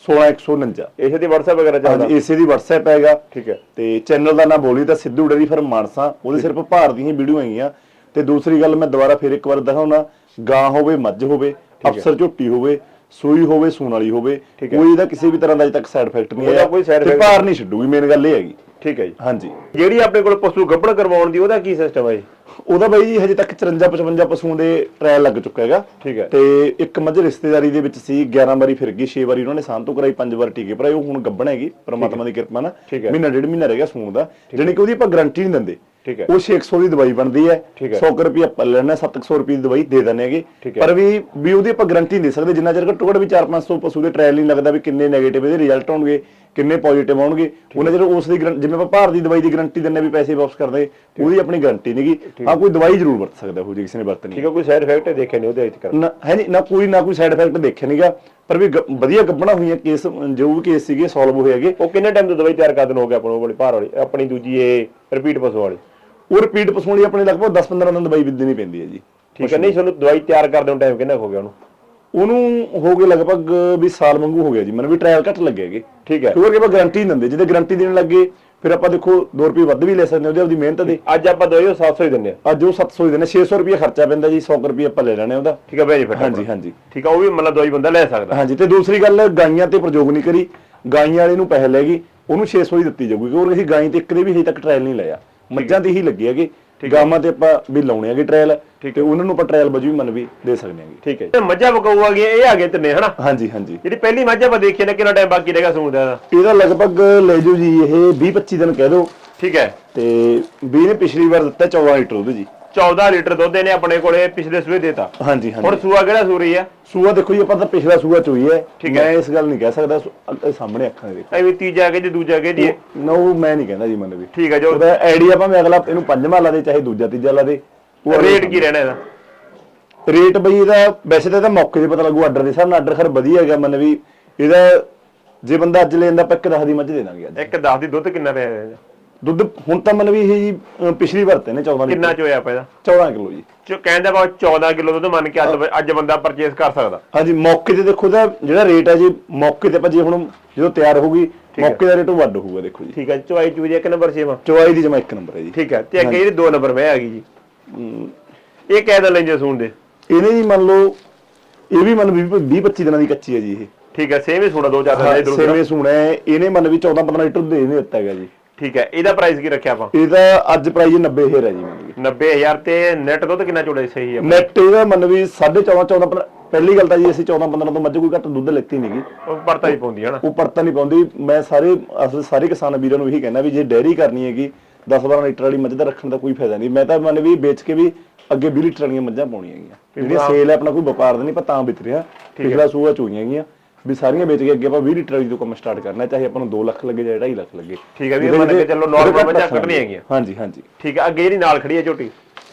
Speaker 2: 16149।
Speaker 1: ਇਸੇ ਦੀ WhatsApp ਵਗੈਰਾ ਚੱਲਦਾ?
Speaker 2: ਇਸੇ ਦੀ WhatsApp ਹੈਗਾ।
Speaker 1: ਠੀਕ ਹੈ।
Speaker 2: ਤੇ ਚੈਨਲ ਦਾ ਨਾਮ ਬੋਲੀ ਤਾਂ ਸਿੱਧੂ ਡੇਅਰੀ ਫਾਰਮ ਮਾਨਸਾ, ਉਹਦੇ ਸਿਰਫ ਭਾਰ ਦੀਆਂ ਹੀ ਵੀਡੀਓ ਹੈਗੀਆਂ। ਤੇ ਦੂਸਰੀ ਗੱਲ ਮੈਂ ਦੁਬਾਰਾ ਫਿਰ ਇੱਕ ਵਾਰ ਦਿਖਾਉਣਾ, ਗਾਂ ਹੋਵੇ, ਮੱਝ ਹੋਵੇ, ਅਫਸਰ ਝੋਟੀ ਹੋਵੇ, ਸੂਈ ਹੋਵੇ, ਸੂਣ ਵਾਲੀ ਹੋਵੇ, ਕੋਈ ਇਹਦਾ ਕਿਸੇ ਵੀ ਤਰ੍ਹਾਂ ਦਾ ਅਜੇ ਤੱਕ ਸਾਈਡ ਇਫੈਕਟ ਨਹੀਂ ਆਇਆ, ਤੇ ਭਾਰ ਨਹੀਂ ਛੱਡੂਗੀ। ਮੇਨ ਗੱਲ ਇਹ ਹੈਗੀ।
Speaker 1: ਠੀਕ ਹੈ ਜੀ।
Speaker 2: ਹਾਂਜੀ।
Speaker 1: ਜਿਹੜੀ ਆਪਣੇ ਕੋਲ ਪਸ਼ੂ ਗੱਭਣ ਕਰਵਾਉਣ ਦੀ ਉਹਦਾ ਕੀ ਸਿਸਟਮ ਹੈ ਜੀ?
Speaker 2: ਉਹਦਾ ਬਾਈ ਜੀ ਹਜੇ ਤੱਕ 54-55 ਪਸ਼ੂਆਂ ਦੇ ਟ੍ਰਾਇਲ ਲੱਗ ਚੁੱਕਾ ਹੈਗਾ।
Speaker 1: ਠੀਕ ਹੈ।
Speaker 2: ਤੇ ਇੱਕ ਮੱਝ ਰਿਸ਼ਤੇਦਾਰੀ ਦੇ ਵਿੱਚ ਸੀ, 11 ਵਾਰੀ ਫਿਰ ਗਈ, 6 ਵਾਰੀ ਉਹਨਾਂ ਨੇ ਸਾਂਭ ਤੋਂ ਕਰਾਈ, 5 ਵਾਰ ਟੀਕੇ ਭਰਾਏ। ਉਹ ਹੁਣ ਗੱਭਣ ਹੈਗੀ ਪ੍ਰਮਾਤਮਾ ਦੀ ਕਿਰਪਾ ਨਾਲ। ਮਹੀਨਾ 1.5 ਮਹੀਨਾ ਰਹਿ ਗਿਆ ਸੂਣ ਦਾ, ਜਾਣੀ ਕਿ ਉਹਦੀ ਆਪਾਂ ਗਾਰੰਟੀ ਨਹੀਂ ਦਿੰਦੇ।
Speaker 1: ਠੀਕ ਹੈ।
Speaker 2: ਉਹ 600 ਦੀ ਦਵਾਈ ਬਣਦੀ ਹੈ, 100 ਰੁਪਏ ਆਪਾਂ ਲੈਣਾ, 700 ਰੁਪਏ ਦੀ ਦਵਾਈ ਦੇ ਦਿੰਦੇ ਹੈਗੇ। ਪਰ ਵੀ ਉਹਦੀ ਆਪਾਂ ਗਾਰੰਟੀ ਨਹੀਂ ਦੇ ਸਕਦੇ ਜਿੰਨਾ ਚਿਰ ਘੱਟੋ ਘੱਟ ਵੀ 400-500 ਪਸ਼ੂ ਦੇ ਟ੍ਰਾਇਲ ਨਹੀਂ ਲੱਗਦਾ ਵੀ ਕਿੰਨੇ ਨੈਗੇਟਿਵ ਇਹਦੇ ਰਿਜ਼ਲਟ ਆਉਣਗੇ, ਕਿੰਨੇ ਪੋਜ਼ਿਟਿਵ ਆਉਣਗੇ। ਉਹਨਾਂ ਚਿਰ ਉਸ ਦੀ ਜਿਵੇਂ ਆਪਾਂ ਭਾਰ ਦੀ ਦਵਾਈ ਦੀ ਗਾਰੰਟੀ ਦਿੰਦੇ ਵੀ ਪੈਸੇ ਵਾਪਸ ਕਰਦੇ, ਉਹਦੀ ਆਪਣੀ ਗਾਰੰਟੀ ਨਹੀਂਗੀ। ਹਾਂ, ਕੋਈ ਦਵਾਈ ਜ਼ਰੂਰ ਵਰਤ ਸਕਦਾ ਉਹ ਜੇ ਕਿਸੇ ਨੇ ਵਰਤਣੀ।
Speaker 1: ਠੀਕ ਹੈ। ਕੋਈ ਸਾਈਡ ਇਫੈਕਟ ਦੇਖਿਆ ਨਹੀਂ ਉਹਦੇ ਵਿੱਚ?
Speaker 2: ਹੈ ਨਹੀਂ, ਨਾ ਕੋਈ ਸਾਈਡ ਇਫੈਕਟ ਦੇਖਿਆ ਨਹੀਂਗਾ। ਪਰ ਵੀ ਵਧੀਆ ਗੱਭਣਾ ਹੋਈਆਂ, ਕੇਸ ਜੋ ਵੀ ਕੇਸ ਸੀਗੇ ਸੋਲਵ ਹੋਏ ਹੈਗੇ।
Speaker 1: ਉਹ ਕਿੰਨੇ ਟਾਈਮ ਤੋਂ ਦਵਾਈ ਤਿਆਰ ਕਰਨ ਹੋ ਗਿਆ ਆਪਾਂ ਵਾਲੀ ਭਾਰ ਵਾਲੀ, ਆਪਣੀ ਦੂਜੀ ਇਹ ਰਿਪੀਟ ਪਸ਼ੂ ਵਾਲੀ?
Speaker 2: ਉਹ ਰਿਪੀਟ ਪਸ਼ੂ ਵਾਲੀ ਆਪਣੇ ਲਗਭਗ 10-15 ਦਿਨ ਦਵਾਈ ਦੇਣੀ ਪੈਂਦੀ ਹੈ ਜੀ।
Speaker 1: ਠੀਕ ਹੈ। ਨਹੀਂ, ਤੁਹਾਨੂੰ ਦਵਾਈ ਤਿਆਰ ਕਰਦੇ ਨੂੰ ਟਾਈਮ ਕਿੰਨਾ ਹੋ ਗਿਆ ਉਹਨੂੰ?
Speaker 2: ਉਹਨੂੰ ਹੋ ਗਏ ਲਗਭਗ ਵੀ ਸਾਲ ਵਾਂਗੂ ਹੋ ਗਿਆ ਜੀ। ਮੈਨੂੰ ਵੀ ਟ੍ਰਾਇਲ ਘੱਟ ਲੱਗੇਗੇ।
Speaker 1: ਠੀਕ ਹੈ।
Speaker 2: ਕਿਉਂਕਿ ਆਪਾਂ ਗਾਰੰਟੀ ਨਹੀਂ ਦਿੰਦੇ, ਜਿਹਦੇ ਗਾਰੰਟੀ ਦੇਣ ਲੱਗੇ ਫਿਰ ਆਪਾਂ ਦੇਖੋ 2 ਰੁਪਏ ਵੱਧ ਵੀ ਲੈ ਸਕਦੇ ਉਹਦੇ ਆਪਦੀ ਮਿਹਨਤ ਦੇ।
Speaker 1: ਅੱਜ ਆਪਾਂ ਦਵਾਈ 700 ਹੀ ਦਿੰਦੇ ਆ।
Speaker 2: ਅੱਜ ਉਹ 700 ਹੀ ਦਿੰਦੇ, 600 ਰੁਪਏ ਖਰਚਾ ਪੈਂਦਾ ਜੀ, 100 ਰੁਪਏ ਆਪਾਂ ਲੈ ਲੈਣੇ ਉਹਦਾ।
Speaker 1: ਠੀਕ ਹੈ ਬੈਨੀਫਿਟ?
Speaker 2: ਹਾਂਜੀ ਹਾਂਜੀ।
Speaker 1: ਠੀਕ ਹੈ। ਉਹ ਵੀ ਮਤਲਬ ਦਵਾਈ ਬੰਦਾ ਲੈ ਸਕਦਾ?
Speaker 2: ਹਾਂਜੀ। ਤੇ ਦੂਸਰੀ ਗੱਲ, ਗਾਈਆਂ ਤੇ ਪ੍ਰਯੋਗ ਨਹੀਂ ਕਰੀ, ਗਾਈਆਂ ਵਾਲੇ ਨੂੰ ਪੈਸੇ ਲੈ ਗਈ, ਉਹਨੂੰ 600 ਹੀ ਦਿੱਤੀ ਜਾਊਗੀ ਕਿਉਂਕਿ ਅਸੀਂ ਗਾਂ ਤੇ ਇੱਕ ਦੇ ਵੀ ਹਜੇ ਤੱਕ ਟ੍ਰਾਇਲ ਨਹੀਂ ਲਿਆ, ਮੱਝਾਂ ਤੇ ਹੀ ਲੱਗੇ ਹੈਗੇ, ਗਾਵਾਂ ਤੇ ਆਪਾਂ ਵੀ ਲਾਉਣੇ ਹੈਗੇ ਟ੍ਰਾਇਲ, ਤੇ ਉਹਨਾਂ ਨੂੰ ਆਪਾਂ ਟ੍ਰਾਇਲ ਵਜੋਂ ਵੀ ਵੀ ਦੇ ਸਕਦੇ ਹਾਂਗੇ।
Speaker 1: ਠੀਕ ਹੈ, ਮੱਝਾਂ ਬਕਾਊ ਆ ਗਈਆਂ, ਇਹ ਆ ਗਏ ਤਿੰਨੇ ਹਨਾ?
Speaker 2: ਹਾਂਜੀ ਹਾਂਜੀ।
Speaker 1: ਜਿਹੜੀ ਪਹਿਲੀ ਮੱਝ ਆਪਾਂ ਦੇਖੀ ਨਾ, ਕਿੰਨਾ ਟਾਈਮ ਬਾਕੀ ਰਹੇਗਾ ਸੂਣ ਦਾ?
Speaker 2: ਇਹਦਾ ਲਗਭਗ ਲੈ ਜਾਓ ਜੀ ਇਹ 20-25 ਦਿਨ ਕਹਿ ਦਿਓ।
Speaker 1: ਠੀਕ ਹੈ,
Speaker 2: ਤੇ 20 ਨੇ ਪਿਛਲੀ ਵਾਰ ਦਿੱਤਾ 14 ਲੀਟਰ ਦੁੱਧ ਜੀ। 14
Speaker 1: ਲੀਟਰ ਦੁੱਧ ਇਹਨੇ ਆਪਣੇ ਕੋਲੇ ਪਿਛਲੇ ਸੂਏ ਦੇਤਾ।
Speaker 2: ਹਾਂਜੀ ਹਾਂਜੀ।
Speaker 1: ਹੁਣ ਸੂਆ ਕਿਹੜਾ ਸੂ ਰਹੀ ਆ?
Speaker 2: ਸੂਆ ਦੇਖੋ ਜੀ ਆਪਾਂ ਤਾਂ ਪਿਛਲਾ ਸੂਆ ਚੋਈ ਹੈ, ਮੈਂ ਇਸ ਗੱਲ ਨਹੀਂ ਕਹਿ ਸਕਦਾ, ਸਾਹਮਣੇ ਅੱਖਾਂ ਦੇ
Speaker 1: ਐ ਵੀ ਤੀਜਾ ਕਿ ਦੂਜਾ ਕਿ ਜੀ?
Speaker 2: ਨੋ ਮੈਂ ਨਹੀਂ ਕਹਿੰਦਾ ਜੀ ਮੈਨੂੰ ਵੀ।
Speaker 1: ਠੀਕ ਹੈ, ਜੋ
Speaker 2: ਉਹਦਾ ਆਈਡੀਆ ਭਾਵੇਂ ਅਗਲਾ ਇਹਨੂੰ ਪੰਜਵਾਂ ਲਾ ਦੇ ਚਾਹੇ ਦੂਜਾ ਤੀਜਾ ਲਾ ਦੇ।
Speaker 1: ਰੇਟ ਕੀ ਰਹਿਣਾ ਇਹਦਾ?
Speaker 2: ਰੇਟ ਬਈ ਇਹਦਾ ਵੈਸੇ ਤਾਂ ਇਹਦਾ ਮੌਕੇ ਤੇ ਪਤਾ ਲੱਗੂ, ਆਰਡਰ ਦੇ ਹਿਸਾਬ ਨਾਲ ਆਰਡਰ ਖਰ ਵਧੀਆ ਹੈਗਾ ਮਨ ਵੀ। ਇਹਦਾ ਜੇ ਬੰਦਾ ਅੱਜ ਲੈਂਦਾ ਆਪਾਂ 1-10 ਦੀ ਮੱਝ ਦੇ ਦਾਂਗੇ ਅੱਜ।
Speaker 1: 1-10 ਦੀ ਦੁੱਧ ਕਿੰਨਾ ਪਿਆ ਇਹਦਾ?
Speaker 2: ਦੁੱਧ ਹੁਣ ਤਾਂ ਮਨ ਵੀ ਇਹ ਜੀ ਪਿਛਲੀ ਵਾਰ ਤੇ ਨੇ 14
Speaker 1: ਕਿੰਨਾ ਚੋਇਆ ਆਪਾਂ ਇਹਦਾ?
Speaker 2: 14 ਕਿਲੋ ਜੀ।
Speaker 1: ਕਹਿੰਦਾ ਬਾ 14 ਕਿਲੋ ਦੁੱਧ ਮੰਨ ਕੇ ਅੱਜ ਬੰਦਾ ਪਰਚੇਸ ਕਰ ਸਕਦਾ।
Speaker 2: ਹਾਂਜੀ, ਮੌਕੇ ਤੇ ਦੇਖੋ ਦਾ ਜਿਹੜਾ ਰੇਟ ਹੈ ਜੀ, ਮੌਕੇ ਤੇ ਆਪਾਂ ਜੇ ਹੁਣ ਜਦੋਂ ਤਿਆਰ ਹੋਊਗੀ ਮੌਕੇ ਦਾ ਰੇਟ ਵੱਧ ਹੋਊਗਾ ਦੇਖੋ ਜੀ।
Speaker 1: ਠੀਕ ਹੈ, ਚੁਆਈ ਚੂਜੀ 1 ਨੰਬਰ ਸੇਵਾ?
Speaker 2: ਚੁਆਈ ਦੀ ਜਮਾ 1 ਨੰਬਰ ਹੈ ਜੀ।
Speaker 1: ਠੀਕ ਹੈ, ਤੇ ਅੱਗੇ ਇਹਦੀ 2 ਨੰਬਰ ਮੈਂ ਆ ਗਈ ਜੀ। ਇਹ ਕਹਿ ਲੈਂਦੇ ਸੂਣ ਦੇ?
Speaker 2: ਇਹਨੇ ਜੀ ਮੰਨ ਲਓ ਇਹ ਵੀ ਮੰਨ 20-25 ਦਿਨਾਂ ਦੀ ਕੱਚੀ ਹੈ ਜੀ ਇਹ।
Speaker 1: ਠੀਕ ਹੈ, ਸੇਮ ਹੀ ਸੂਣਾ 2-4 ਦਿਨ ਇਧਰ ਉਧਰ।
Speaker 2: ਸੇਵੇਂ ਸੂਣਾ ਹੈ, ਇਹਨੇ ਮੰਨ ਵੀ 14-15 ਲੀਟਰ ਦੇ ਇਹਨੇ ਦਿੱਤਾ ਹੈਗਾ ਜੀ।
Speaker 1: ਠੀਕ ਹੈ, ਇਹਦਾ ਪ੍ਰਾਈਸ ਕੀ ਰੱਖਿਆ ਆਪਾਂ?
Speaker 2: ਇਹਦਾ ਅੱਜ ਪ੍ਰਾਈਸ 90,000 ਹੈ ਜੀ ਮੰਨ ਵੀ।
Speaker 1: 90,000 ਤੇ ਨੈਟ ਦੁੱਧ ਕਿੰਨਾ ਚੋੜਾ ਸਹੀ ਹੈ?
Speaker 2: ਨੈਟ ਇਹਦਾ ਮੰਨ ਵੀ 14.5 ਪਹਿਲੀ ਗੱਲ ਤਾਂ ਜੀ ਅਸੀਂ 14-15 ਤੋਂ ਮੱਝ ਕੋਈ ਘੱਟ ਦੁੱਧ ਲੈਤੀ ਨਹੀਂਗੀ।
Speaker 1: ਉਹ ਪਰਤਾ ਹੀ ਪਾਉਂਦੀ ਹੈ ਨਾ? ਉਹ
Speaker 2: ਪਰਤਾ ਨਹੀਂ ਪਾਉਂਦੀ। ਮੈਂ ਸਾਰੇ ਕਿਸਾਨ ਵੀਰਾਂ ਨੂੰ ਇਹੀ ਕਹਿਣਾ ਵੀ ਜੇ ਡੈਰੀ ਕਰਨੀ ਹੈਗੀ 10-12 ਲੀਟਰ ਵਾਲੀ ਮੱਝ ਦਾ ਰੱਖਣ ਦਾ ਕੋਈ ਫਾਇਦਾ ਨਹੀਂ। ਮੈਂ ਤਾਂ ਮੰਨ ਵੀ ਵੇਚ ਕੇ ਵੀ ਅੱਗੇ 20 ਲੀਟਰ ਵਾਲੀਆਂ ਮੱਝਾਂ ਪਾਉਣੀਆਂ ਹੈਗੀਆਂ। ਜਿਹੜੀਆਂ ਸੇਲ ਹੈ ਆਪਣਾ ਕੋਈ ਵਪਾਰ ਦਾ ਨਹੀਂ, ਆਪਾਂ ਤਾਂ ਵਿਕ ਰਿਹਾ। ਪਿਛਲਾ ਸੂਆ ਚੋਈਆਂ ਹੈਗੀਆਂ ਵੀ ਸਾਰੀਆਂ ਵੇਚ ਕੇ ਅੱਗੇ ਆਪਾਂ 20 ਲੀਟਰ ਵਾਲੀ ਤੋਂ ਕੰਮ ਸਟਾਰਟ ਕਰਨਾ, ਚਾਹੇ ਆਪਾਂ ਨੂੰ 2 ਲੱਖ ਲੱਗੇ ਜਾਂ 2.5 ਲੱਖ ਲੱਗੇ।
Speaker 1: ਠੀਕ ਹੈ, ਵੀ ਮੰਨ ਕੇ ਚੱਲੋ ਨਾਰਮਲ ਮੱਝਾਂ ਕੱਢਣੀਆਂ ਹੈਗੀਆਂ।
Speaker 2: ਹਾਂਜੀ ਹਾਂਜੀ।
Speaker 1: ਠੀਕ ਹੈ, ਅੱਗੇ ਜਿਹੜੀ ਨਾਲ ਖੜੀ ਹੈ ਝੋਟੀ,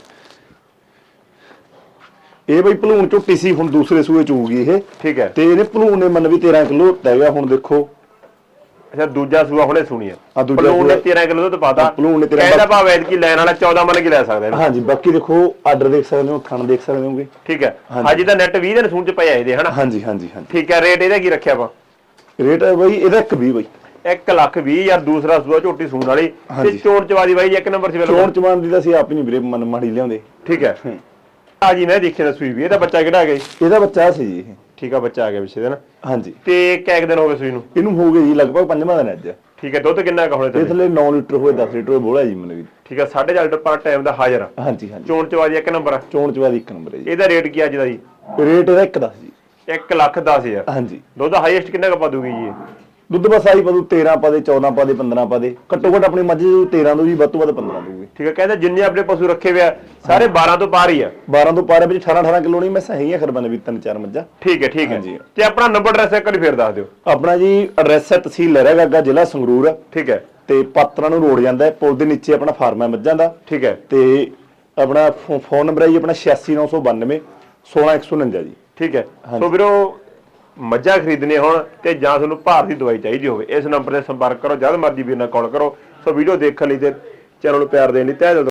Speaker 2: ਇਹ ਬਈ ਭਲੂਣ ਝੋਟੀ ਸੀ, ਹੁਣ ਦੂਸਰੇ ਸੂਏ ਚੂਗੀ ਇਹ।
Speaker 1: ਠੀਕ ਹੈ,
Speaker 2: ਤੇ ਇਹਨੇ ਭਲੂਣ ਨੇ ਮੰਨ ਵੀ 13 ਕਿਲੋ ਹੈਗਾ ਹੁਣ ਦੇਖੋ।
Speaker 1: ਅੱਛਾ, ਦੂਜਾ ਸੂਆ ਹੁਣੇ ਸੁਣੀ ਆ।
Speaker 2: ਆ ਦੂਜਾ
Speaker 1: ਭਲੂਣ ਨੇ 13 ਕਿਲੋ ਦੁੱਧ ਪਾਤਾ।
Speaker 2: ਭਲੂਣ ਨੇ 13
Speaker 1: ਕਹਿੰਦਾ ਭਾਵੇਂ ਐਤਕੀ ਲੈਣ ਵਾਲਾ 14 ਮੰਨ ਕੇ ਲੈ ਸਕਦਾ ਇਹਨੂੰ।
Speaker 2: ਹਾਂਜੀ, ਬਾਕੀ ਦੇਖੋ ਆਰਡਰ ਦੇਖ ਸਕਦੇ ਹੋ, ਥਣ ਦੇਖ ਸਕਦੇ ਹੋਗੇ।
Speaker 1: ਠੀਕ ਹੈ, ਹਾਂਜੀ ਤਾਂ ਨੈਟ 20 ਦਿਨ ਸੂਣ ਚ ਪਿਆ ਇਹਦੇ ਹਨਾ? ਹਾਂਜੀ
Speaker 2: ਹਾਂਜੀ ਹਾਂਜੀ।
Speaker 1: ਠੀਕ ਹੈ, ਰੇਟ ਇਹਦਾ ਕੀ ਰੱਖਿਆ ਆਪਾਂ?
Speaker 2: ਰੇਟ ਹੈ ਬਈ ਇਹਦਾ 120 ਬਈ।
Speaker 1: 1,20,000 ਦੂਸਰਾ ਸੂਆ ਝੋਟੀ ਸੂਣ ਵਾਲੀ ਤੇ ਚੋਣ ਚਵਾਦੀ ਬਾਈ 1 ਨੰਬਰ ਸੀ।
Speaker 2: ਚੋਣ ਚਵਾਨ ਦੀ ਤਾਂ ਅਸੀਂ ਆਪ ਹੀ ਨਹੀਂ ਵੀਰੇ ਮਨ ਮਾੜੀ ਲਿਆਉਂਦੇ।
Speaker 1: ਠੀਕ ਹੈ, ਆ ਜੀ ਮੈਂ ਦੇਖਿਆ ਨਾ ਸੂਈ ਵੀ। ਇਹਦਾ ਬੱਚਾ ਕਿਹੜਾ ਆ ਗਿਆ ਜੀ?
Speaker 2: ਇਹਦਾ ਬੱਚਾ ਸੀ ਜੀ ਇਹ।
Speaker 1: ਠੀਕ ਆ, ਬੱਚਾ ਆ ਗਿਆ ਪਿੱਛੇ ਦਿਨ।
Speaker 2: ਹਾਂਜੀ,
Speaker 1: ਤੇ ਕਿੰਨੇ ਦਿਨ ਹੋ ਗਏ ਸੂਈ ਨੂੰ?
Speaker 2: ਇਹਨੂੰ ਹੋ ਗਏ ਜੀ ਲਗਭਗ 5ਵਾਂ ਦਿਨ ਅੱਜ।
Speaker 1: ਠੀਕ ਹੈ, ਦੁੱਧ ਕਿੰਨਾ ਕੁ ਹੋਣਾ
Speaker 2: ਇਹ ਥੱਲੇ 9 ਲੀਟਰ ਹੋਏ 10 ਲੀਟਰ ਹੋਏ ਬੋਲਾ ਜੀ ਮੈਨੂੰ ਵੀ।
Speaker 1: ਠੀਕ ਹੈ, 4.5 ਲੀਟਰ ਪਰ ਟਾਈਮ ਦਾ ਹਾਜ਼ਰ।
Speaker 2: ਹਾਂਜੀ ਹਾਂਜੀ।
Speaker 1: ਚੋਣ ਚਵਾਦੀ 1 ਨੰਬਰ ਆ।
Speaker 2: ਚੋਣ ਚਵਾਦੀ 1 ਨੰਬਰ ਹੈ ਜੀ।
Speaker 1: ਇਹਦਾ ਰੇਟ ਕੀ ਅੱਜ ਦਾ ਜੀ?
Speaker 2: ਰੇਟ ਇਹਦਾ 110 ਜੀ।
Speaker 1: 1,10,000।
Speaker 2: ਹਾਂਜੀ।
Speaker 1: ਦੁੱਧ ਹਾਈਐਸਟ ਕਿੰਨਾ ਕੁ ਪਾ ਦੂਗੀ ਜੀ?
Speaker 2: ਦੁੱਧ ਬਸ ਆਈ ਪਾ ਦੂ 13 ਪਾ ਦੇ, 14 ਪਾ ਦੇ, 15 ਪਾ ਦੇ। ਘੱਟੋ ਘੱਟ ਆਪਣੀ ਮੱਝ 13 ਦੂ ਜੀ, ਵੱਧ ਤੋਂ ਵੱਧ 15 ਦੂਗੀ।
Speaker 1: ਠੀਕ ਹੈ, ਕਹਿੰਦਾ ਜਿੰਨੇ ਆਪਣੇ ਪਸ਼ੂ ਰੱਖੇ ਹੋਏ ਆ ਸਾਰੇ 12 ਤੋਂ ਪਾਰ ਹੀ ਆ।
Speaker 2: 12 ਤੋਂ ਪਾਰ ਵਿੱਚ 18 ਕਿਲੋ ਨਹੀਂ, ਮੈਂ ਸਹੀ ਹੈ ਖਰਬਨ ਵੀ 3-4 ਮੱਝਾਂ।
Speaker 1: ਠੀਕ ਹੈ, ਠੀਕ ਹੈ
Speaker 2: ਜੀ।
Speaker 1: ਤੇ ਆਪਣਾ ਨੰਬਰ ਐਡਰੈਸ ਇੱਕ ਵਾਰੀ ਫੇਰ ਦੱਸ ਦਿਓ।
Speaker 2: ਆਪਣਾ ਜੀ ਐਡਰੈਸ ਹੈ ਤਹਿਸੀਲ ਲਹਿਰਾ ਗਾਗਾ, ਜ਼ਿਲ੍ਹਾ ਸੰਗਰੂਰ।
Speaker 1: ਠੀਕ ਹੈ,
Speaker 2: ਤੇ ਪਾਤਰਾ ਨੂੰ ਰੋਡ ਜਾਂਦਾ ਹੈ, ਪੁਲ ਦੇ ਨੀਚੇ ਆਪਣਾ ਫਾਰਮ ਹੈ ਮੱਝਾਂ ਦਾ।
Speaker 1: ਠੀਕ ਹੈ,
Speaker 2: ਤੇ ਆਪਣਾ ਫੋਨ ਨੰਬਰ ਹੈ ਜੀ ਆਪਣਾ 8692 16149 ਜੀ।
Speaker 1: ਠੀਕ ਹੈ। ਸੋ ਵੀਰੋ ਮੱਝਾਂ ਖਰੀਦਣੇ ਹੋਣ ਤੇ ਜਾਂ ਤੁਹਾਨੂੰ ਭਾਰ ਦੀ ਦਵਾਈ ਚਾਹੀਦੀ ਹੋਵੇ, ਇਸ ਨੰਬਰ ਤੇ ਸੰਪਰਕ ਕਰੋ, ਜਦ ਮਰਜ਼ੀ ਵੀਰ ਨਾਲ ਕਾਲ ਕਰੋ। ਸੋ ਵੀਡੀਓ ਦੇਖਣ ਲਈ ਤੇ ਚੈਨਲ ਨੂੰ ਪਿਆਰ ਦੇਣ ਲਈ ਤਹਿ ਦਿਲ